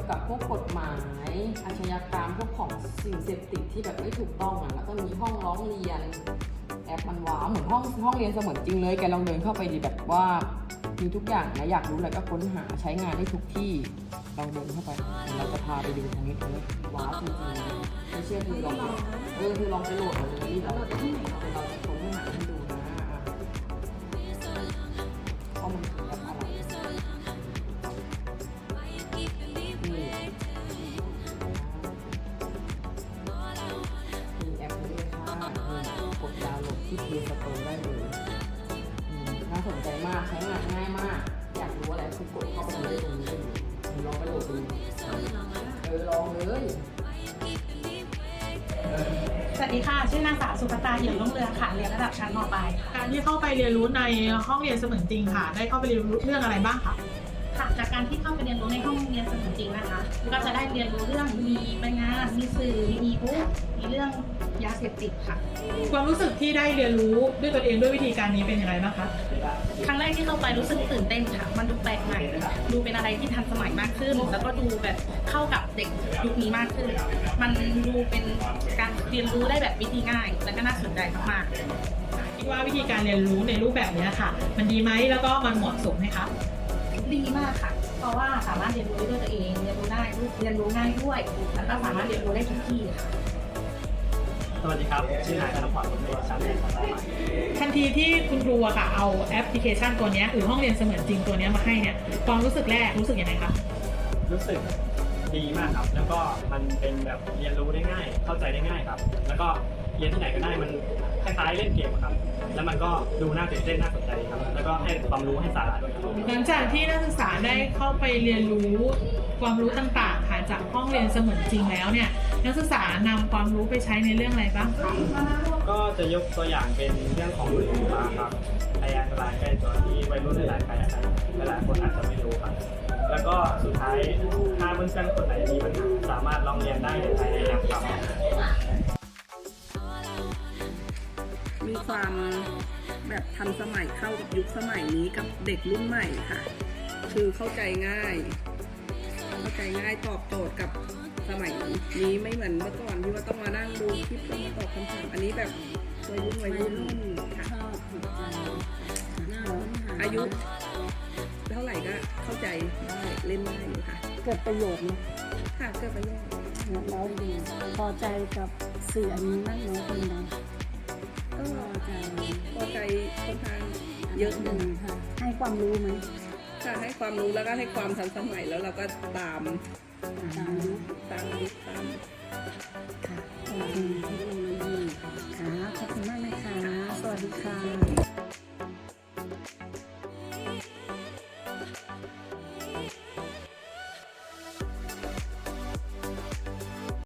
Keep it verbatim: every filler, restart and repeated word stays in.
กับพวกกฎหมายอาชญากรรมพวกของสิ่งเสพติดที่แบบไม่ถูกต้องอ่ะแล้วก็มีห้องร้องเรียนแอปมันว้าวเหมือนห้องห้องเรียนเสมือนจริงเลยแกลองเดินเข้าไปดีแบบว่ามีทุกอย่างนะอยากรู้อะไรก็ค้นหาใช้งานได้ทุกที่ลองเดินเข้าไปเราจะพาไปดูตรงนี้ตรงนี้ว้าวจริงๆไม่เชื่อคือลองเออคือลองไปโหลดมาเลยเราเราจะค้นหาให้ดูนะข้อมูลแอปอะไรนี่มีแอปนี้เลยค่ะกดดาวน์โหลดที่ Play Store ได้เลยน่าสนใจมากใช้งานง่ายมากอยากรู้อะไรคือกดเข้าไปเลยตรงนี้เลยลองไปโหลดดูเออลองเลยสวัสดีค่ะชื่อนางสาวสุภตาเหี่ยวรุ่งเรืองค่ะเรียนระดับชั้นม.ปลายค่ะการที่เข้าไปเรียนรู้ในห้องเรียนเสมือนจริงค่ะได้เข้าไปเรียนรู้เรื่องอะไรบ้างคะค่ะจากการที่เข้าไปเรียนรู้ในห้องเรียนเสมือนจริงนะคะก็จะได้เรียนรู้เรื่องมีปัญญามีสื่อมีบุ๊กมีเรื่องยาเสพติดค่ะความรู้สึกที่ได้เรียนรู้ด้วยตัวเองด้วยวิธีการนี้เป็นยังไงบ้างคะครั้งแรกที่เข้าไปรู้สึกตื่นเต้นค่ะมันดูแปลกใหม่ดูเป็นอะไรที่ทันสมัยมากขึ้นแล้วก็ดูแบบเข้ากับเด็กยุคนี้มากขึ้นมันดูเป็นการเรียนรู้ได้แบบวิธีง่ายและก็น่าสนใจมากคิดว่าวิธีการเรียนรู้ในรูปแบบนี้ค่ะมันดีไหมแล้วก็มันเหมาะสมไหมคะดีมากค่ะเพราะว่าสามารถเรียนรู้ด้วยตัวเองเรียนรู้ได้เรียนรู้ง่ายด้วยแล้วก็สามารถเรียนรู้ได้ทุกที่ค่ะสวัสดีครับชื่อนายธนพรบุญตัวชั้นเรียนของเราทันทีที่คุณครูอะค่ะเอาแอปพลิเคชันตัวนี้หรือห้องเรียนเสมือนจริงตัวนี้มาให้เนี่ยความรู้สึกแรกรู้สึกยังไงคะรู้สึกดีมากครับแล้วก็มันเป็นแบบเรียนรู้ได้ง่ายเข้าใจได้ง่ายครับแล้วก็เรียนที่ไหนก็ได้มันคล้ายๆเล่นเกมครับแล้วมันก็ดูน่าตื่นเต้นน่าสนใจครับแล้วก็ให้ความรู้ให้สาระด้วยครับหลังจากที่นักศึกษาได้เข้าไปเรียนรู้ความรู้ต่างๆค่ะจากห้องเรียนเสมือนจริงแล้วเนี่ยนักศึกษานำความรู้ไปใช้ในเรื่องอะไรบ้างคะก็จะยกตัวอย่างเป็นเรื่องของมือถือครับพยานอันตรายใกล้ตัวที่วัยรุ่นหลายๆคนหลายๆคนอาจจะไม่รู้ครับแล้วก็สุดท้ายถ้าเพื่อนๆคนไหนมีปัญหาสามารถลองเรียนได้ในภายในแอปครับมีความแบบทันสมัยเข้ากับยุคสมัยนี้กับเด็กรุ่นใหม่ค่ะคือเข้าใจง่ายเข้าใจง่ายตอบโจทย์กับสมัยนี้ไม่เหมือนเมื่อก่อนที่ว่าต้องมานั่งดูคลิปต้องมาตอบคำถามอันนี้แบบวัยรุ่นวัยรุ่นค่ะอายุเท่าไหร่ก็เข้าใจได้เล่นได้อยู่ค่ะเกิดประโยชน์นะค่ะเกิดประโยชน์แล้วดีพอใจกับสื่ออันนี้มากน้อยเป็นไงก็พอใจพอใจค่อนข้างเยอะอยู่ค่ะให้ความรู้ไหมค่ะให้ความรู้แล้วก็ให้ความทันสมัยแล้วเราก็ตามตามยุคตามยุคตามค่ะโอเคเทคโนโลยีค่ะขอบคุณมากนะคะสวัสดีค่ะ